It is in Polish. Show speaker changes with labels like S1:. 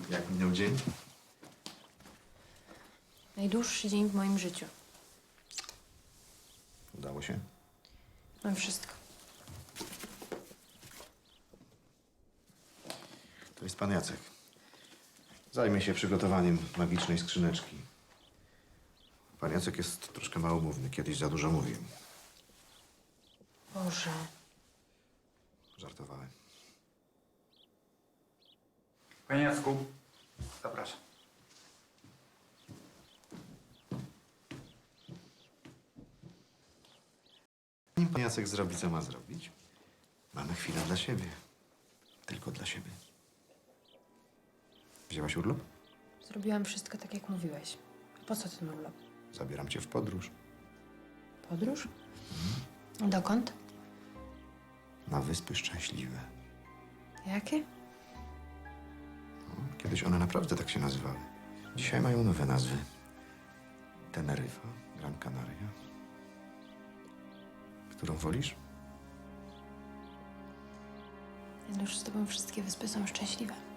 S1: Jak minął dzień?
S2: Najdłuższy dzień w moim życiu.
S1: Udało się?
S2: Mam wszystko.
S1: To jest pan Jacek. Zajmie się przygotowaniem magicznej skrzyneczki. Pan Jacek jest troszkę małomówny. Kiedyś za dużo mówił.
S2: Boże.
S1: Żartowałem.
S3: Panie Jacku, zapraszam.
S1: Nim pan Jacek zrobi, co ma zrobić, mamy chwilę dla siebie. Tylko dla siebie. Wzięłaś urlop?
S2: Zrobiłam wszystko tak, jak mówiłeś. A po co ten urlop?
S1: Zabieram cię w podróż.
S2: Podróż? Dokąd?
S1: Na Wyspy Szczęśliwe.
S2: Jakie?
S1: No, kiedyś one naprawdę tak się nazywały. Dzisiaj mają nowe nazwy. Teneryfa, Gran Canaria. Którą wolisz?
S2: Już z tobą wszystkie wyspy są szczęśliwe.